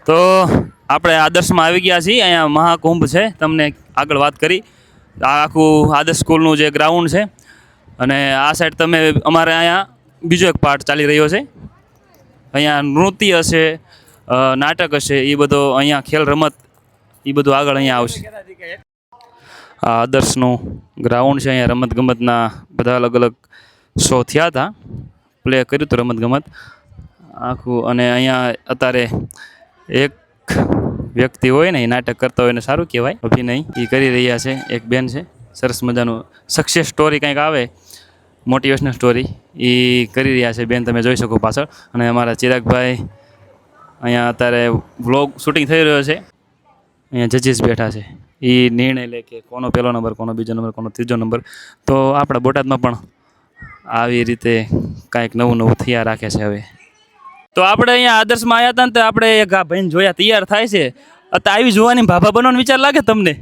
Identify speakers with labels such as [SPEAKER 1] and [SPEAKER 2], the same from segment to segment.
[SPEAKER 1] તો આપણે આદર્શમાં આવી ગયા છીએ. અહીંયા મહાકુંભ છે, તમને આગળ વાત કરી. આ આખું આદર્શ સ્કૂલનું જે ગ્રાઉન્ડ છે અને આ સાઈડ તમે અમારે અહીંયા બીજો એક પાર્ટ ચાલી રહ્યો છે. અહીંયા નૃત્ય હશે, નાટક હશે, એ બધો અહીંયા ખેલ રમત એ બધું આગળ અહીંયા આવશે. આ આદર્શનું ગ્રાઉન્ડ છે. અહીંયા રમતગમતના બધા અલગ અલગ શો થયા હતા, પ્લે કર્યું હતું રમતગમત આખું. અને અહીંયા અત્યારે એક વ્યક્તિ હોય ને એ નાટક કરતા હોય ને સારું કહેવાય, અભિનય એ કરી રહ્યા છે. એક બેન છે, સરસ મજાનું સક્સેસ સ્ટોરી કંઈક આવે, મોટિવેશનલ સ્ટોરી એ કરી રહ્યા છે બેન, તમે જોઈ શકો પાછળ. અને અમારા ચિરાગભાઈ અહીંયા અત્યારે વ્લોગ શૂટિંગ થઈ રહ્યો છે. અહીંયા જજીસ બેઠા છે, એ નિર્ણય લે કે કોનો પહેલો નંબર, કોનો બીજો નંબર, કોનો ત્રીજો નંબર. તો આપણા બોટાદમાં પણ આવી રીતે કાંઈક નવું નવું થયા રાખે છે હવે. તો આપણે અહીંયા આદર્શમાં આવ્યા હતા ને તો આપણે એક આ ભાઈને જોયા તૈયાર થાય છે. અત્યારે આવી જોવાની ભાભા બનવાનો વિચાર લાગે તમને?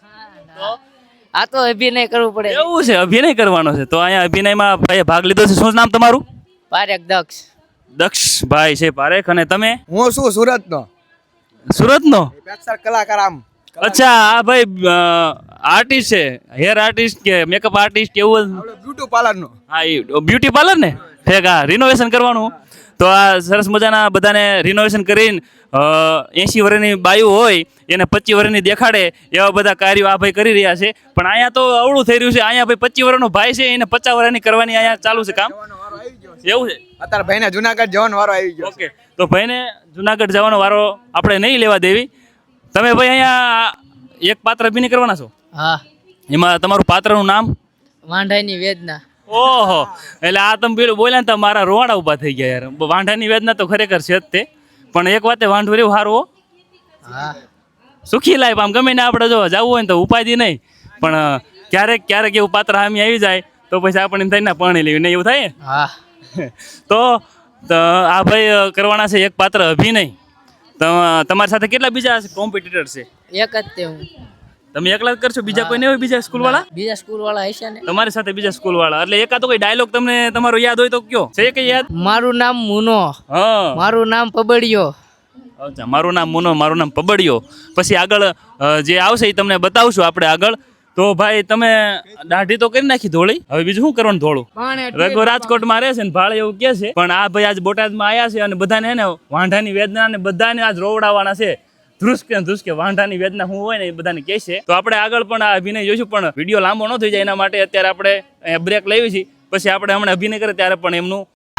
[SPEAKER 2] આ તો અભિનય કરવું પડે.
[SPEAKER 1] એવું છે, અભિનય કરવાનો છે. તો અહીંયા અભિનયમાં ભાઈએ ભાગ લીધો છે. શું નામ તમારું?
[SPEAKER 2] પારેખ દક્ષ.
[SPEAKER 1] દક્ષભાઈ છે પારેખ. અને તમે?
[SPEAKER 3] હું શું સુરતનો.
[SPEAKER 1] સુરતનો?
[SPEAKER 3] કલાકાર આમ.
[SPEAKER 1] અચ્છા, આ ભાઈ આર્ટિસ્ટ છે, હેર આર્ટિસ્ટ કે મેકઅપ આર્ટિસ્ટ કેવું?
[SPEAKER 3] બ્યુટી પાર્લરનો.
[SPEAKER 1] હા, એ બ્યુટી પાર્લર ને ઠેક. હા, રિનોવેશન કરવાનું. તો આ સરસ મજાના બધાને રિનોવેશન કરીને 80 વર્ષની બાયુ હોય એને 25 વર્ષની દેખાડે એવા બધા કાર્યો આ ભાઈ કરી રહ્યા છે. પણ અહીંયા તો અવળું થઈ રહ્યું છે. અહીંયા ભાઈ 25 વર્ષનો ભાઈ છે, એને 50 વર્ષની કરવાની અહીંયા ચાલુ છે કામ. એવું છે?
[SPEAKER 3] અત્યારે ભાઈને જુનાગઢ જવાનો વારો આવી ગયો.
[SPEAKER 1] ઓકે, તો ભાઈને જુનાગઢ જવાનો વારો આપણે નહીં લેવા દેવી. તમે ભાઈ અહીંયા એક પાત્ર અભિનય કરવાના છો?
[SPEAKER 2] હા.
[SPEAKER 1] એમાં તમારું પાત્રનું નામ?
[SPEAKER 2] વાંઢાઈની વેદના.
[SPEAKER 1] ઓહો, એટલે આ તમે પેલું બોલ્યા ને તો મારા રોવાડા ઊભા થઈ ગયા યાર. વાંઢાની વેદના તો ખરેખર છે જ તે. પણ એક વાતે વાંઢું રહેવું સારું હો.
[SPEAKER 2] હા.
[SPEAKER 1] સુખી લાઈફ આમ ગમે ને આપણે જો જવું હોય ને તો ઉપાધિ નહીં. પણ ક્યારેક ક્યારેક એવું પાત્ર સામે આવી જાય તો પછી આપણે એમ થાય ને પરણી લેવી નહીં, એવું થાય.
[SPEAKER 2] હા.
[SPEAKER 1] તો આ ભાઈ કરવાના છે એક પાત્ર અભિનય. તો તમારી સાથે કેટલા બીજા કોમ્પિટિટર છે?
[SPEAKER 2] એક જ તે હું.
[SPEAKER 1] તમે એકલા જ કરશો? બીજા કોઈ નહીં હોય? બીજા સ્કૂલ વાળા?
[SPEAKER 2] બીજા સ્કૂલ વાળા હશે ને
[SPEAKER 1] તમારી સાથે બીજા સ્કૂલ વાળા. એટલે એકાદો કોઈ ડાયલોગ તમને તમારો યાદ હોય તો કયો છે કે યાદ?
[SPEAKER 2] મારું નામ મુનો.
[SPEAKER 1] હા.
[SPEAKER 2] મારું નામ પબડિયો.
[SPEAKER 1] અચ્છા, મારું નામ મુનો, મારું નામ પબડિયો. પછી આગળ જે આવશે એ તમને બતાવશું આપણે આગળ. તો ભાઈ તમે દાઢી તો કરી નાખી ધોળી, હવે બીજું શું કરવાનું ધોળું? રઘુ રાજકોટમાં રહે છે ને ભાડે એવું કે છે. પણ આ ભાઈ આજ બોટાદમાં આવ્યા છે અને બધાને હે ને વાંઢાની વેદના ને બધાને આજ રોવડાવવાના છે. ધ્રુસકે વાંઢાની વેદના શું હોય ને એ બધાને કહે છે. તો આપણે આગળ પણ આ અભિનય જોઈશું, પણ વિડીયો લાંબો ન થઈ જાય એના માટે અત્યારે આપણે અહીંયા બ્રેક લેવી છે. પછી આપણે હમણાં અભિનય કરીએ ત્યારે પણ એમનું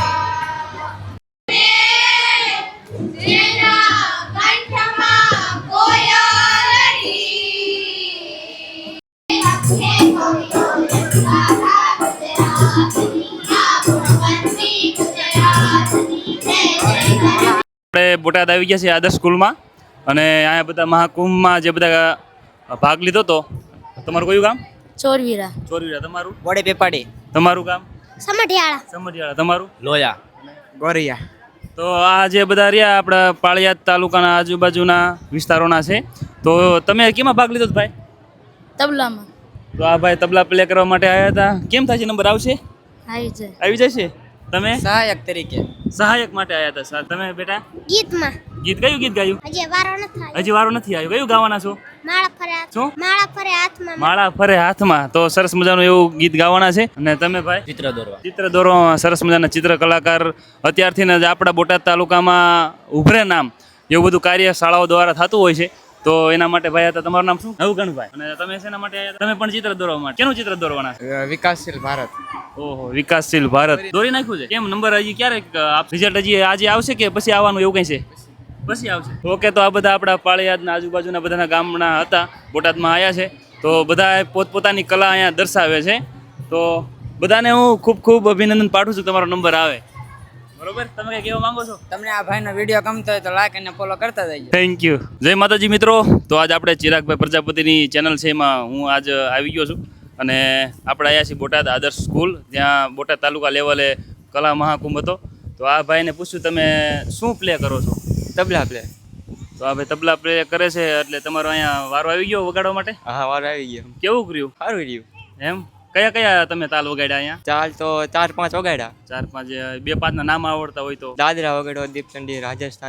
[SPEAKER 1] આપણે બોટાદ આવી ગયા છીએ આદર્શ સ્કૂલમાં. અને અહીંયા બધા મહાકુંભમાં જે બધા ભાગ લીધો હતો. તમારું કયું ગામ?
[SPEAKER 4] ચોરવીરા.
[SPEAKER 1] ચોરવીરા. તમારું?
[SPEAKER 3] વડે પેપાડી.
[SPEAKER 1] તમારું ગામ?
[SPEAKER 4] સમઢિયાળા.
[SPEAKER 1] સમઢિયાળા. તમારું?
[SPEAKER 3] લોયા. ગોરિયા.
[SPEAKER 1] તો આ જે બધા રહ્યા આપણા પાળિયાદ તાલુકાના આજુબાજુના વિસ્તારોના છે. તો તમે કેમાં ભાગ લીધો ભાઈ?
[SPEAKER 4] તબલામાં.
[SPEAKER 1] તો આ ભાઈ તબલા પ્લે કરવા માટે આવ્યા હતા. કેમ થાય છે? નંબર આવશે?
[SPEAKER 4] આવી જાય.
[SPEAKER 1] આવી જશે. તમે
[SPEAKER 2] સહાયક તરીકે.
[SPEAKER 1] સહાયક માટે આવ્યા હતા. તમે બેટા
[SPEAKER 4] ગીતમાં.
[SPEAKER 1] ગીત કયું ગીત ગાયું?
[SPEAKER 4] હજી વારો નથી આવ્યો.
[SPEAKER 1] હજી વારો નથી આવ્યો. કયું ગાવાના છો?
[SPEAKER 4] માળા ફરે.
[SPEAKER 1] શું?
[SPEAKER 4] માળા ફરે હાથમાં.
[SPEAKER 1] માળા ફરે હાથમાં. તો સરસ મજાનું એવું ગીત ગાવાના છે. અને તમે ભાઈ?
[SPEAKER 2] ચિત્ર દોરવા.
[SPEAKER 1] ચિત્ર દોરવામાં સરસ મજાના ચિત્ર કલાકાર અત્યારથી જ આપણા બોટાદ તાલુકામાં ઉભરે નામ એવું બધું કાર્ય શાળાઓ દ્વારા થતું હોય છે. તો એના માટે ભાઈ હતા. તમારું નામ શું? નવગણભાઈ. અને તમે શેના માટે આવ્યા? તમે પણ ચિત્ર દોરવા માટે. કેનું ચિત્ર દોરવાના?
[SPEAKER 3] વિકાસશીલ ભારત.
[SPEAKER 1] ઓહો, વિકાસશીલ ભારત દોરી નાખ્યું છે. કેમ નંબર હજી ક્યારે રિઝલ્ટ હજી આજે આવશે કે પછી આવવાનું એવું કંઈ છે? પછી આવશે. ઓકે, તો આ બધા આપણા પાળિયાદના આજુબાજુના બધાના ગામના હતા, બોટાદમાં આવ્યા છે. તો બધા પોતપોતાની કલા અહીંયા દર્શાવે છે. તો બધાને હું ખૂબ ખૂબ અભિનંદન પાઠવું છું. તમારો નંબર આવે બરોબર. તમે કઈ કહેવા માંગો છો?
[SPEAKER 2] તમને આ ભાઈનો વિડીયો ગમતો હોય તો લાઈક અને ફોલો કરતા જજો.
[SPEAKER 1] Thank you. જય માતાજી મિત્રો. તો આજ આપણે ચિરાગભાઈ પ્રજાપતિની ચેનલ છે એમાં હું આજ આવી ગયો છું. અને આપણે આવ્યા છીએ બોટાદ આદર્શ સ્કૂલ, જ્યાં બોટાદ તાલુકા લેવલે કલા મહાકુંભ હતો. તો આ ભાઈને પૂછ્યું તમે શું પ્લે કરો છો?
[SPEAKER 3] તબલા પ્લે.
[SPEAKER 1] તો આ ભાઈ તબલા પ્લે કરે છે. એટલે તમારો અહીંયા વારો આવી ગયો વગાડવા માટે?
[SPEAKER 3] હા, વારો આવી ગયો.
[SPEAKER 1] કેવું કર્યું?
[SPEAKER 3] સારું રહ્યું.
[SPEAKER 1] એમ કયા કયા તમે તાલ વગાડ્યા અહીંયા?
[SPEAKER 3] ચાલ તો 4-5 વગાડ્યા.
[SPEAKER 1] 4-5 2-5 ના નામ આવડતા હોય તો?
[SPEAKER 3] દાદરા વગાડ્યો, દીપચંડી, રાજસ્થાની,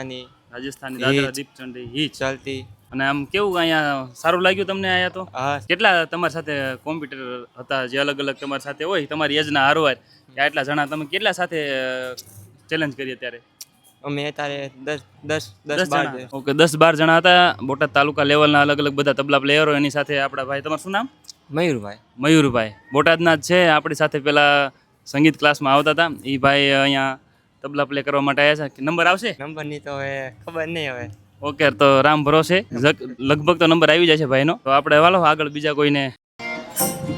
[SPEAKER 1] રાજસ્થાની
[SPEAKER 3] હિચ.
[SPEAKER 1] દાદરા દીપચંડી હિચ.
[SPEAKER 3] ચલતી.
[SPEAKER 1] અને આમ કેવું અહીંયા સારું લાગ્યું તમને અહીંયા તો?
[SPEAKER 3] હા
[SPEAKER 1] કેટલા તમારી સાથે કોમ્પ્યુટર હતા જે અલગ અલગ તમારી સાથે હોય તમારી એજના હારવાર કે આટલા જણા તમે કેટલા સાથે ચેલેન્જ કરી અત્યારે?
[SPEAKER 3] અમે અત્યારે 10
[SPEAKER 1] 10
[SPEAKER 3] 12
[SPEAKER 1] જણા. ઓકે 10-12 જણા હતા. બોટાદ તાલુકા લેવલના અલગ અલગ બધા તબલા પ્લેયરો એની સાથે આપણા ભાઈ, તમારું શું નામ?
[SPEAKER 3] મયુરભાઈ.
[SPEAKER 1] મયુરભાઈ બોટાદના જ છે. આપણી સાથે પેલા સંગીત ક્લાસમાં આવતા હતા એ ભાઈ અહીંયા તબલા પ્લે કરવા માટે આવ્યા છે. નંબર આવશે?
[SPEAKER 3] નંબરની તો હવે ખબર નહીં હવે.
[SPEAKER 1] ઓકે તો રામ ભરોસે લગભગ તો નંબર આવી જાય છે ભાઈનો. તો આપણે વાલો આગળ બીજા કોઈને